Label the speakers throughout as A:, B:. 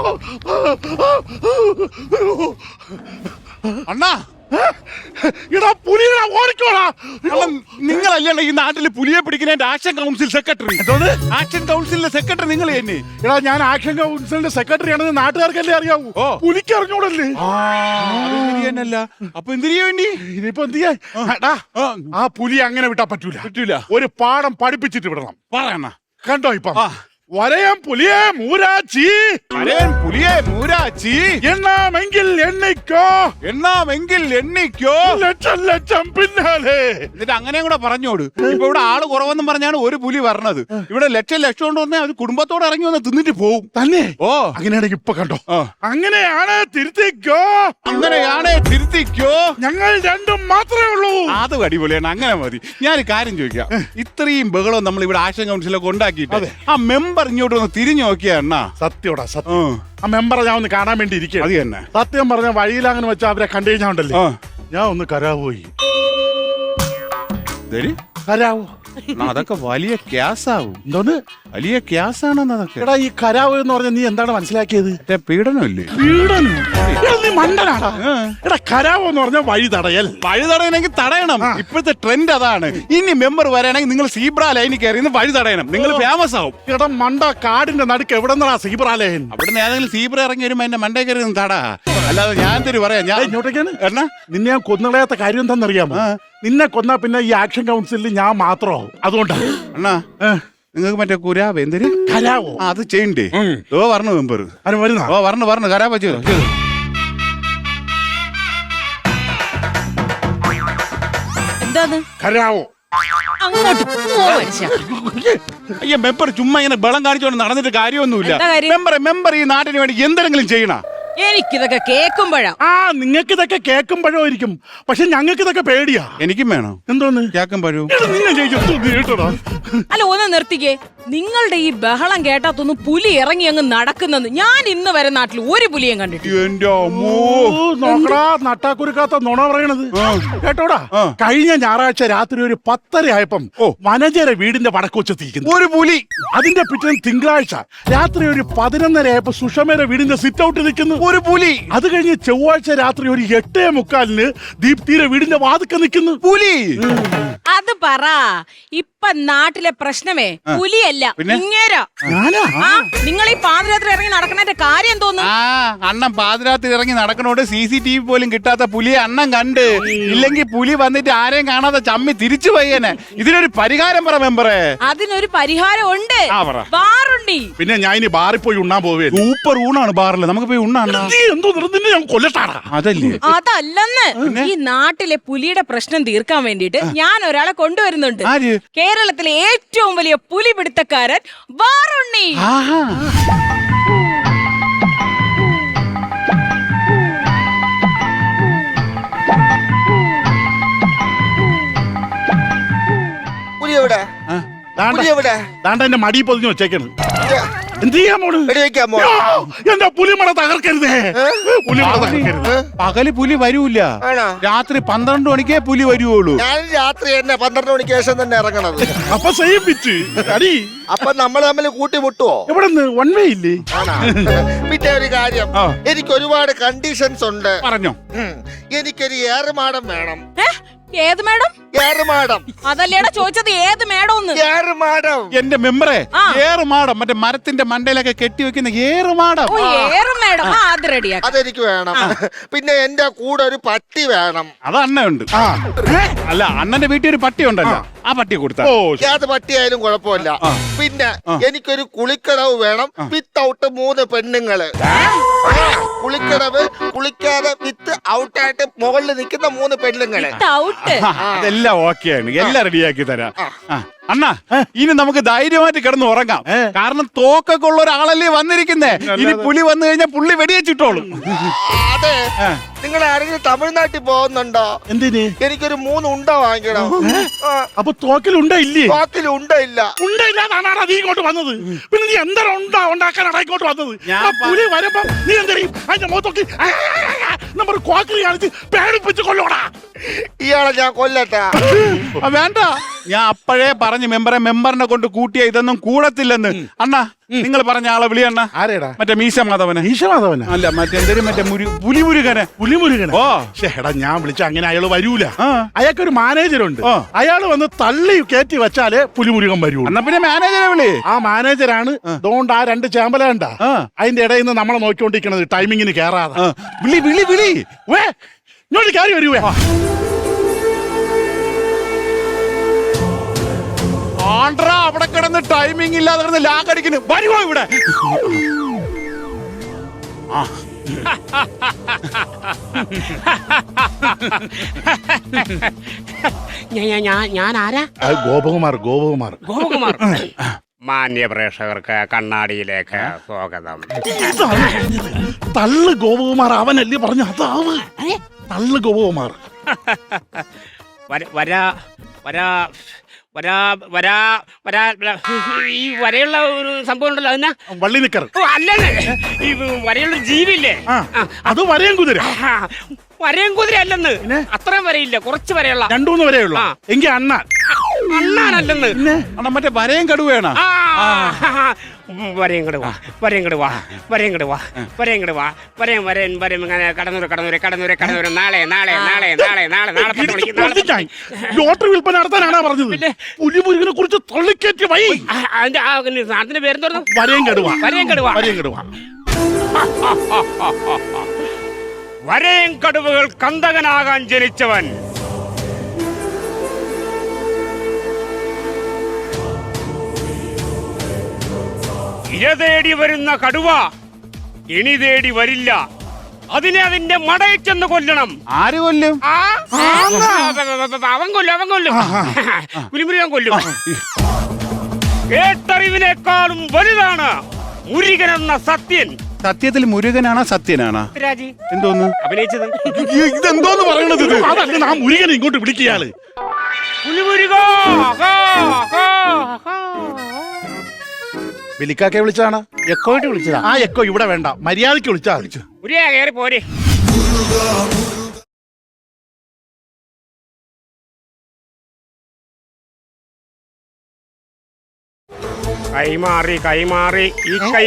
A: അണ്ണാ
B: ഇടാ പുലികളാ ഓടിക്കോടാ.
A: നിങ്ങളല്ലേ ഈ നാട്ടില് പുലിയെ പിടിക്കുന്ന ആക്ഷൻ കൗൺസിൽ സെക്രട്ടറി? ആക്ഷൻ കൗൺസിലിന്റെ സെക്രട്ടറി നിങ്ങൾ തന്നെ?
B: എടാ ഞാൻ ആക്ഷൻ കൗൺസിലിന്റെ സെക്രട്ടറി ആണെന്ന് നാട്ടുകാർക്കല്ലേ അറിയാവൂ. പുലിക്ക് അറിഞ്ഞൂടല്ലേ?
A: ശരിയല്ല. അപ്പൊ എന്തിനു വേണ്ടി
B: ഇനിയിപ്പോ എന്ത് ചെയ്യാൻ? ആ പുലി അങ്ങനെ വിട്ടാ പറ്റൂല. ഒരു പാഠം പഠിപ്പിച്ചിട്ട് വിടണം.
A: പറയണ
B: കണ്ടോ ഇപ്പം വരയം പുലിയെ മൂരാച്ചി,
A: വരയൻ പുലിയെ മൂരാച്ചി,
B: എണ്ണാമെങ്കിൽ
A: എണ്ണിക്കോ
B: ലക്ഷം ലക്ഷം പിന്നാലെ.
A: എന്നിട്ട് അങ്ങനെയും കൂടെ പറഞ്ഞോട്. ഇപ്പൊ ഇവിടെ ആള് കുറവെന്നും പറഞ്ഞാണ് ഒരു പുലി പറഞ്ഞത്. ഇവിടെ ലക്ഷം കൊണ്ട് വന്നാൽ അത് കുടുംബത്തോടെ ഇറങ്ങി വന്ന് തിന്നിട്ട് പോവും
B: തന്നെ.
A: ഓ
B: അങ്ങനെയാണെങ്കിൽ ഇപ്പൊ കണ്ടോ, അങ്ങനെയാണ് തിരുത്തിക്കോ, ഞങ്ങൾ രണ്ടും മാത്രമേ ഉള്ളൂ.
A: അത് അടിപൊളിയാണ്. അങ്ങനെ മതി. ഞാൻ കാര്യം ചോദിക്കാം. ഇത്രയും ബഹളം നമ്മൾ ഇവിടെ ആക്ഷൻ കൗൺസിലൊക്കെ ഉണ്ടാക്കിയിട്ട് ആ മെമ്പർ ഇങ്ങോട്ട് ഒന്ന് തിരിഞ്ഞു നോക്കിയാ അണ്ണാ.
B: സത്യോടാ സത്യം. ആ മെമ്പറെ ഞാൻ ഒന്ന് കാണാൻ വേണ്ടി ഇരിക്കുക.
A: അത് തന്നെ
B: സത്യം പറഞ്ഞ വഴിയിൽ അങ്ങനെ വെച്ചാൽ അവരെ കണ്ടു കഴിഞ്ഞാൽ ഉണ്ടല്ലേ, ഞാൻ ഒന്ന് കരാവോയി. കരാവോ
A: അതൊക്കെ വലിയ ക്യാസാവും.
B: എന്തോന്ന്
A: വലിയ ക്യാസാണെന്ന് അതൊക്കെ.
B: എടാ ഈ കരാവ് എന്ന് പറഞ്ഞ നീ എന്താണ് മനസ്സിലാക്കിയത്?
A: പീഡനമല്ലേ?
B: പീഡനം? നീ മണ്ടനാടാ. എടാ കരാവ് എന്ന് പറഞ്ഞ വഴി
A: തടയണമെങ്കിൽ തടയണം. ഇപ്പോഴത്തെ ട്രെൻഡ് അതാണ്. ഇനി മെമ്പർ വരാണെങ്കിൽ നിങ്ങൾ സീബ്ര ലൈനിൽ കയറി വഴി തടയണം. നിങ്ങൾ ഫേമസ് ആവും.
B: എടാ മണ്ട, കാടിന്റെ നടുക്ക് എവിടെ നിന്നാ സീബ്ര ലൈൻ?
A: അവിടുന്ന് ഏതെങ്കിലും സീബ്ര ഇറങ്ങി വരുമ്പോ എന്റെ മണ്ടേ കയറി തടാ. അല്ലാതെ ഞാൻ തരും പറയാം. ഞാൻ
B: ഇങ്ങോട്ടേക്കാണ് എന്നാ നിന്നെ ഞാൻ കൊന്നുകളയാത്ത കാര്യം എന്താണെന്നറിയാമോ? നിന്നെ കൊന്നാ പിന്നെ ഈ ആക്ഷൻ കൗൺസിലിൽ ഞാൻ മാത്രമാവും. അതുകൊണ്ടാ
A: അണ്ണാ നിങ്ങൾക്ക് മറ്റേ കുരാവ് എന്തൊരു
B: കരാവോ
A: അത് ചെയ്യണ്ടേ? പറഞ്ഞു മെമ്പർ പറഞ്ഞു കരാവ ചെയ്തു.
C: എന്താണ്
B: കരാവോ?
A: അയ്യ മെമ്പർ ചുമ്മാ ഇങ്ങനെ ബളം കാണിച്ചോണ്ട് നടന്നിട്ട് കാര്യമൊന്നുമില്ല. മെമ്പർ ഈ നാട്ടിന് വേണ്ടി എന്തെങ്കിലും ചെയ്യണ.
C: എനിക്കിതൊക്കെ കേൾക്കുമ്പോഴാ.
B: നിങ്ങൾക്ക് ഇതൊക്കെ കേൾക്കുമ്പോഴായിരിക്കും, പക്ഷെ ഞങ്ങൾക്ക് ഇതൊക്കെ പേടിയാ.
A: എനിക്കും വേണം.
B: എന്തോന്ന്
A: കേൾക്കുമ്പോഴും?
C: അല്ല ഒന്ന് നിർത്തിക്കേ. നിങ്ങളുടെ ഈ ബഹളം കേട്ടാത്തൊന്നും പുലി ഇറങ്ങി അങ്ങ് നടക്കുന്നത് ഞാൻ ഇന്ന് വരെ നാട്ടിൽ ഒരു പുലിയും കണ്ടിട്ടില്ല.
B: നട്ടാക്കുരുക്കാത്ത നുണ പറയണത് കേട്ടോടാ. കഴിഞ്ഞ ഞായറാഴ്ച രാത്രി ഒരു 10:30 ആയപ്പം വനജര വീടിന്റെ വടക്കുവച്ചെത്തിയിരിക്കുന്നു
A: ഒരു പുലി.
B: അതിന്റെ പിറ്റേന്ന് തിങ്കളാഴ്ച രാത്രി ഒരു 11:30 ആയപ്പോ സുഷമയുടെ വീടിന്റെ സിറ്റ് ഔട്ട് നിൽക്കുന്നു
A: ഒരു പുലി.
B: അത് കഴിഞ്ഞ് ചൊവ്വാഴ്ച രാത്രി ഒരു 8:45 ദീപ്തിയുടെ വീടിന്റെ വാതിക്ക നിൽക്കുന്നു പുലി.
C: അത് പറ. ഇപ്പൊ നാട്ടിലെ പ്രശ്നമേ പുലിയല്ല, ഇങ്ങേരാ. നിങ്ങൾ ഈ പാതിരാത്രി ഇറങ്ങി നടക്കുന്നതിന്റെ കാര്യം തോന്നുന്നു.
A: അണ്ണൻ പാതിരാത്രി ഇറങ്ങി നടക്കണോണ്ട് CCTV പോലും കിട്ടാത്ത പുലിയെ അണ്ണൻ കണ്ട്. ഇല്ലെങ്കിൽ പുലി വന്നിട്ട് ആരെയും കാണാതെ ചമ്മി തിരിച്ചു പോയേനെ. ഇതിനൊരു പരിഹാരം പറ മെമ്പറേ.
C: അതിനൊരു പരിഹാരം ഉണ്ട്. ബാറുണ്ടി.
B: പിന്നെ ഞാൻ ഇനി ബാറിൽ പോയി ഉണ്ണാൻ പോവേ.
A: സൂപ്പർ ഊണാണ് ബാറിൽ. നമുക്ക് പോയി ഉണ്ണാണ്.
B: അതല്ലേ?
C: അതല്ലെന്ന്. ഈ നാട്ടിലെ പുലിയുടെ പ്രശ്നം തീർക്കാൻ വേണ്ടിട്ട് ഞാൻ ഒരാളെ കൊണ്ടുവരുന്നുണ്ട്. കേരളത്തിലെ ഏറ്റവും വലിയ പുലി പിടുത്തക്കാരൻ ബാറുണ്ണി.
B: എന്റെ മടി പൊതിഞ്ഞു വെച്ചേക്കാണ്. എന്ത് ചെയ്യാൻ പോണ്? എന്റെ പുലിമട തകർക്കരുതേ.
A: പകല് പുലി വരൂല, രാത്രി 12 മണിക്കേ പുലി വരുവുള്ളൂ.
D: ഞാൻ രാത്രി തന്നെ 12 മണിക്ക് ശേഷം തന്നെ ഇറങ്ങണത്.
B: അപ്പൊ സെയിം പിച്ച് അടി.
D: അപ്പൊ നമ്മൾ തമ്മിൽ കൂട്ടിമുട്ടുവോ?
B: എവിടെ വൺ വേ ഇല്ലേ?
D: പിന്നെ ഒരു കാര്യം, എനിക്ക് ഒരുപാട് കണ്ടീഷൻസ് ഉണ്ട്.
A: പറഞ്ഞോ.
D: എനിക്കൊരു ഏറുമാടം വേണം.
C: ഏത് മേഡം?
D: ഏറുമാടം.
C: അതല്ലേടാ ചോദിച്ചത്, ഏത് മേഡം?
D: ഏറുമാടം.
A: എന്റെ മെമ്പറെ, ഏറുമാടം മറ്റേ മരത്തിന്റെ മണ്ടയിലൊക്കെ കെട്ടിവെക്കുന്ന ഏറുമാടം.
C: അത് റെഡിയാക്കാം.
D: അതെനിക്ക് വേണം. പിന്നെ എന്റെ കൂടെ ഒരു പട്ടി വേണം.
A: അത് അണ്ണയുണ്ട്. അല്ല, അണ്ണന്റെ വീട്ടിൽ ഒരു പട്ടി ഉണ്ടല്ലോ, ആ പട്ടി കൊടുത്താ.
D: ഏത് പട്ടിയായാലും കുഴപ്പമില്ല. പിന്നെ എനിക്കൊരു കുളിക്കടവ് വേണം, വിത്തൗട്ട് 3 പെണ്ണുങ്ങള്. കുളിക്കടവ്, കുളിക്കാതെ വിത്ത് ഔട്ടായിട്ട് മുകളിൽ നിൽക്കുന്ന 3 പെണ്ണുങ്ങള്.
A: അതെല്ലാം ഓക്കെയാണ്, എല്ലാം റെഡിയാക്കി തരാം. അണ്ണാ, ഇനി നമുക്ക് ധൈര്യമായിട്ട് കിടന്ന് ഉറങ്ങാം. കാരണം തോക്കൊക്കെ ഉള്ള ഒരാളല്ലേ വന്നിരിക്കുന്നേ. ഇനി പുലി വന്നു കഴിഞ്ഞാൽ പുള്ളി വെടിവെച്ചിട്ടോളും.
D: അതെ, നിങ്ങൾ ആരെങ്കിലും തമിഴ്നാട്ടിൽ പോകുന്നുണ്ടോ?
B: എന്തിന്?
D: എനിക്കൊരു 3 ഉണ്ട വാങ്ങിക്കണം.
B: അപ്പൊ തോക്കിലുണ്ടോ ഇല്ലേ?
D: തോക്കിലുണ്ടയില്ല.
B: ഉണ്ടയില്ലാതാണ് നീ ഇങ്ങോട്ട് വന്നത്. പിന്നെ നീ എന്താ ഉണ്ടാക്കാനാണ് ഇങ്ങോട്ട് വന്നത്? പുലി വരുമ്പോ നീ എന്തേലും അതിന്റെ മുഖത്തൊക്കെ നമ്മൾ കോക്കിൽ കാണിച്ച് പേടിപ്പിച്ച് കൊല്ലോടാ.
D: ഇയാളെ ഞാൻ കൊല്ലട്ടാ?
A: വേണ്ട, ഞാൻ അപ്പോഴേ പറഞ്ഞു മെമ്പറിനെ കൊണ്ട് കൂട്ടിയ ഇതൊന്നും കൂടത്തില്ലെന്ന്. അണ്ണാ നിങ്ങൾ പറഞ്ഞ ആളെ വിളി അണ്ണ.
B: ആരേടാ?
A: മറ്റേ മീശ മാധവനെ.
B: ഈശമാധവന
A: അല്ല മറ്റേ പുലിമുരുകനെ.
B: പുലിമുരുകൻ.
A: ഓ
B: എടാ ഞാൻ വിളിച്ച അങ്ങനെ അയാള് വരൂല. അയാൾക്കൊരു മാനേജറുണ്ട്. അയാള് വന്ന് തള്ളി കയറ്റി വെച്ചാലേ പുലിമുരുകൻ വരൂ.
A: എന്നാ പിന്നെ മാനേജറെ വിളി.
B: ആ മാനേജറാണ് ദോണ്ട് ആ 2 ചേമ്പല കണ്ട അതിന്റെ ഇടയിൽ നിന്ന് നമ്മളെ നോക്കിക്കൊണ്ടിരിക്കണത് ടൈമിങ്ങിന് കേറാതെ.
A: വിളി വിളി വിളി.
B: ഇങ്ങോട്ട് കയറി വരുവേ.
A: ആണ്ട്ര അവിടെ കിടന്ന് ടൈമിംഗ് ഇല്ലാതെ കിടന്ന് ലാഗടിക്കുന്നു. വരുവോ ഇവിടെ?
E: ഞാൻ ആരാ?
B: ഗോപകുമാർ.
E: ഗോപകുമാർ. മാന്യ പ്രേക്ഷകർക്ക് കണ്ണാടിയിലേക്ക് സ്വാഗതം.
B: തള്ളു ഗോപകുമാർ അവനല്ലേ പറഞ്ഞു. അതാവ് തള്ളു ഗോപകുമാർ.
E: വരാ വരാ വരാ വരാ വരാ ഈ വരയുള്ള ഒരു സംഭവം ഉണ്ടല്ലോ, അതിനാ
B: വള്ളി നിക്കർ.
E: അല്ലേ ഈ വരയുള്ള ജീവില്ലേ,
B: അത് വരയും കുതിര.
E: വരയും കുതിര അല്ലെന്ന്. അത്രയും വരയില്ല, കുറച്ച് വരയുള്ള
B: 2-3 വരെയുള്ള. എങ്കിൽ
E: അണ്ണാനല്ലെന്ന്.
A: മറ്റേ വരയും കടുവേണ.
E: വരയും കടുവാ ഇങ്ങനെ കടന്നൂര് നാളെ
B: ലോട്ടറി വിൽപ്പന നടത്താനാണ് പറഞ്ഞത്. പുലിമുരുകനെ കുറിച്ച് തള്ളിക്കയറ്റി വൈ.
E: അതിന്റെ പേരെന്തോന്നു?
B: വരയും കടുവ.
E: വരയും കടുവകൾ കന്തകനാകാൻ ജനിച്ചവൻ. ഇര തേടി വരുന്ന കടുവ ഇണി തേടി വരില്ല. അതിനെ അതിന്റെ മടയിൽ ചെന്ന് കൊല്ലണം.
A: ആര് കൊല്ലും?
E: അവൻ കൊല്ലും. പുലിമുരുകൻ കൊല്ലും. കേട്ടറിവിനേക്കാളും വലുതാണ് മുരുകൻ എന്ന സത്യൻ.
A: സത്യത്തിൽ മുരുകനാണോ സത്യനാണോ?
E: രാജി
A: എന്തോന്ന്
E: അഭിനയിച്ചത്?
A: ഇതെന്തോന്ന് പറയണത്?
B: അതല്ല ആ മുരുകനെ ഇങ്ങോട്ട് വിളിക്കയാള്.
E: പുലിമുരുക
B: വിളിക്കാക്കെ വിളിച്ചതാണ്.
E: എക്കോയിട്ട് വിളിച്ചതാ.
B: ആ എക്കോ ഇവിടെ വേണ്ട, മര്യാദക്ക് വിളിച്ചാ.
E: കയറി പോരെ. കൈമാറി ഈ കൈ.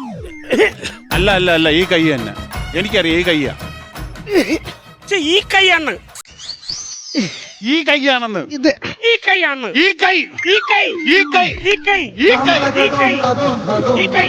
A: അല്ല ഈ കൈ തന്നെ. എനിക്കറിയാം ഈ കൈയാ.
E: ഈ കൈയാണ്.
A: ഈ കൈയാണെന്ന്.
E: ഈ കൈയാണ്.
A: ഈ കൈ.
E: ഈ കൈ.
A: ഈ കൈ.
E: ഈ കൈ. ഈ കൈ. ഈ കൈ. ഈ കൈ.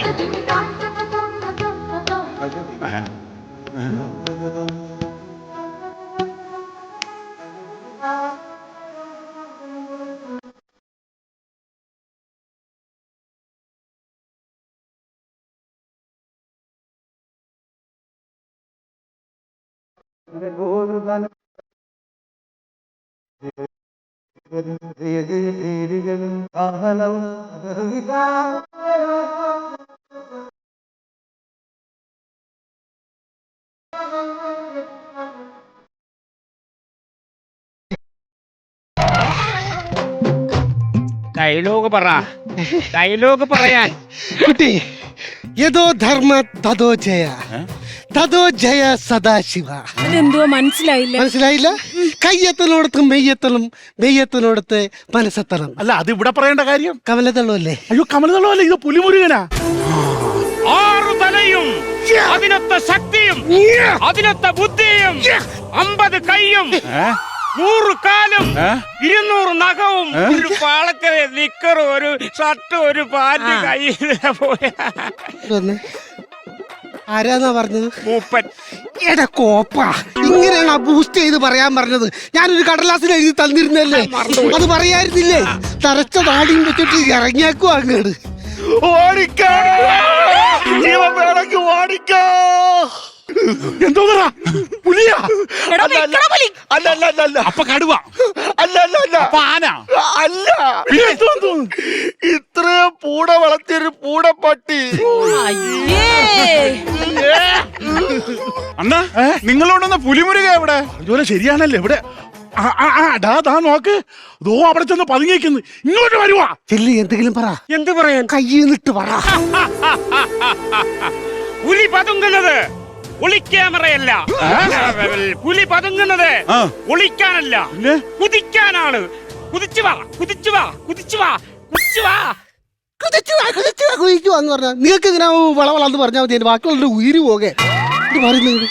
E: ഡയലോഗ് പറയാൻ
F: കുട്ടി. യഥോ ധർമ്മ തഥോ ജയ, തഥോ ജയ സദാശിവ.
C: അതെന്തുവാ മനസ്സിലായില്ല?
F: മനസ്സിലായില്ല? കയ്യെത്തലോടത്ത് മെയ്യെത്തലും, മെയ്യെത്തലോടത്ത് മനസ്സെത്തണം.
B: അല്ല അത് ഇവിടെ പറയേണ്ട കാര്യം.
F: കമലതള്ളല്ലേ?
B: അയ്യോ കമലതള്ളല്ലേ, ഇത് പുലിമുരുകനാ.
E: 6 തലയും, അതിനൊത്ത ശക്തിയും, അതിനൊത്ത ബുദ്ധിയും, 50 കൈയും, 100 കാലും, 200 നഖവും, ഒരു പാളക്കര നിക്കറും, ഒരു ഷർട്ട്, ഒരു പാന്റ് കയ്യിൽ പോയ
F: ആരാന്നാ പറഞ്ഞത്?
E: മൂപ്പൻ.
F: എടാ കോപ്പ, ഇങ്ങനെയാണ് ബൂസ്റ്റ് ചെയ്ത് പറയാൻ പറഞ്ഞത്. ഞാനൊരു കടലാസിൽ എഴുതി തന്നിരുന്നല്ലേ, അത് പറയായിരുന്നില്ലേ? തറച്ച താടിയും വെച്ചിട്ട് ഇറങ്ങിയാക്കോ അങ്ങോട്ട്.
B: ഓടിക്കോ, ജീവൻ വേണമെങ്കിൽ ഓടിക്കോ. എന്തോന്നാ പുലിയാ? അല്ല
A: അപ്പൊ കടുവ.
B: അല്ല
A: അപ്പൊ ആന.
B: അല്ല, ഇത്രയും പൂട വളർത്തിയൊരു പൂടപ്പട്ടി.
A: അണ്ണാ നിങ്ങളോടൊന്ന് പുലിമുരുക എവിടെ?
B: അതുപോലെ ശരിയാണല്ലേ ഇവിടെ. ദാ നോക്ക്, ദോ അവിടെ ചെന്ന് പതുങ്ങിക്കുന്നു. ഇങ്ങോട്ട് വരുവാ.
F: ചെല്ലി എന്തെങ്കിലും പറ.
E: എന്ത് പറയാൻ?
F: കയ്യിന്നിട്ട് പറ.
E: പുലി പതുങ്ങുന്നത് ഒളിക്യാമറയല്ല. പുലി പതുങ്ങുന്നത് ഒളിക്കാനല്ല, കുതിക്കാനാണ്. കുതിച്ചു വാ കുതിച്ചു വാ കുതിച്ചു വാ കുതിച്ചു വാ.
F: കുതിക്കുവാന്ന് പറഞ്ഞാ നിങ്ങൾക്ക് ഇങ്ങനെ വളവളന്ന് പറഞ്ഞാൽ മതി. എന്റെ ബാക്കിയുള്ള ഉയിര് പോകെ പറയുന്നത്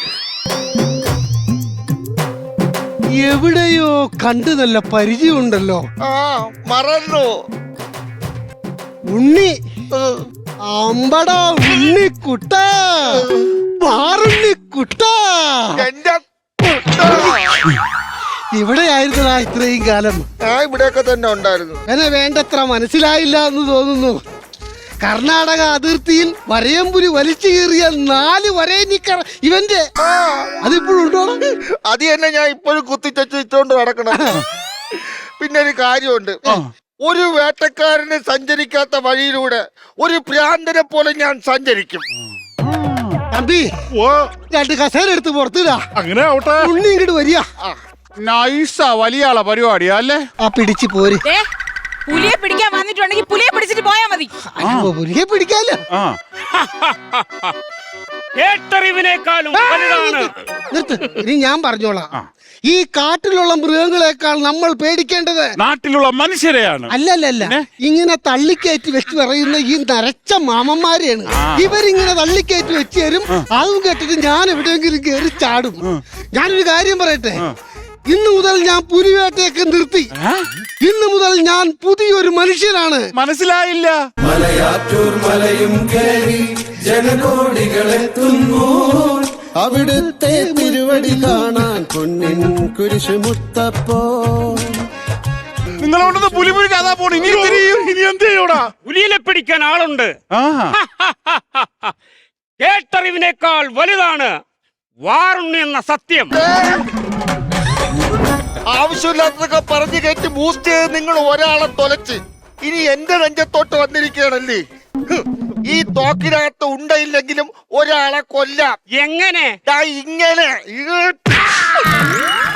F: എവിടെയോ കണ്ടു നല്ല പരിചയമുണ്ടല്ലോ.
D: മറന്നു.
F: ഉണ്ണി അമ്പടാ ഉണ്ണിക്കുട്ട മാറുണ്ണിക്കുട്ട.
D: എന്റെ
F: ഇവിടെയായിരുന്നടാ ഇത്രയും കാലം.
D: ഇവിടെയൊക്കെ തന്നെ ഉണ്ടായിരുന്നു.
F: എന്നെ വേണ്ടത്ര മനസ്സിലായില്ല എന്ന് തോന്നുന്നു. കർണാടക അതിർത്തിയിൽ വരയമ്പുലി വലിച്ചു കീറിയ 4 വരയനിക്കർ ഇവന്റെ അതിപ്പോഴുണ്ടോ?
D: അത് തന്നെ ഞാൻ ഇപ്പോഴും കുത്തിച്ചോണ്ട് നടക്കണം. പിന്നെ ഒരു കാര്യമുണ്ട്. ഒരു വേട്ടക്കാരന് സഞ്ചരിക്കാത്ത വഴിയിലൂടെ ഒരു ഭ്രാന്തനെ പോലെ ഞാൻ സഞ്ചരിക്കും.
F: തമ്പി 2 കസേര എടുത്ത് പുറത്തിടാ.
A: അങ്ങനെ ആവട്ടെ.
F: ഉണ്ണി ഇങ്ങോട്ട് വരിക.
A: നൈസാ, വലിയ ആളാ പരിപാടിയാ അല്ലേ?
F: ആ പിടിച്ച് പോര്.
C: പുലിയെ പിടിക്കാൻ വന്നിട്ടുണ്ടെങ്കിൽ പുലിയെ പിടിച്ചിട്ട് പോയാ മതി.
F: പുലിയെ പിടിക്കാലോ.
E: കേട്ടറിവിനേക്കാളും വലുതാണ്.
F: നിർത്ത്. ഇനി ഞാൻ പറഞ്ഞോളാം. ഈ കാട്ടിലുള്ള മൃഗങ്ങളെക്കാൾ നമ്മൾ പേടിക്കേണ്ടത്
A: നാട്ടിലുള്ള മനുഷ്യരെയാണ്.
F: അല്ലല്ല, ഇങ്ങനെ തള്ളിക്കയറ്റി വെച്ച് പറയുന്ന ഈ നരച്ച മാമന്മാരെയാണ്. ഇവരിങ്ങനെ തള്ളിക്കയറ്റി വെച്ച് തരും. അതും കേട്ടിട്ട് ഞാൻ എവിടെയെങ്കിലും കയറി ചാടും. ഞാനൊരു കാര്യം പറയട്ടെ. ഇന്ന് മുതൽ ഞാൻ പുലിവേട്ടയൊക്കെ നിർത്തി. ഇന്ന് മുതൽ ഞാൻ പുതിയൊരു മനുഷ്യനാണ്.
A: മനസ്സിലായില്ല.
G: മലയാറ്റൂർ മലയും കയറി ജനകോടികളെത്തുന്നു അവിടുത്തെ തിരുവടി കാണാൻ പൊന്നിൻ കുരിശു മുത്തപ്പോ.
A: നിങ്ങളോടൊന്ന് പുലി കഥാ പോണു. ഇനി എന്ത് ചെയ്യൂടാ?
E: പുലിയെ പിടിക്കാൻ ആളുണ്ട്. കേട്ടറിവിനേക്കാൾ വലുതാണ് വാറുണ്ണി എന്ന സത്യം.
D: ആവശ്യമില്ലാത്തതൊക്കെ പറഞ്ഞു കയറ്റി ബൂസ്റ്റ് ചെയ്ത് നിങ്ങൾ ഒരാളെ തൊലച്ച് ഇനി എന്റെ നെഞ്ചത്തോട്ട് വന്നിരിക്കുകയാണല്ലേ. ഈ തോക്കിനകത്ത് ഉണ്ടയില്ലെങ്കിലും ഒരാളെ കൊല്ലാം.
E: എങ്ങനെ?
D: ഇങ്ങനെ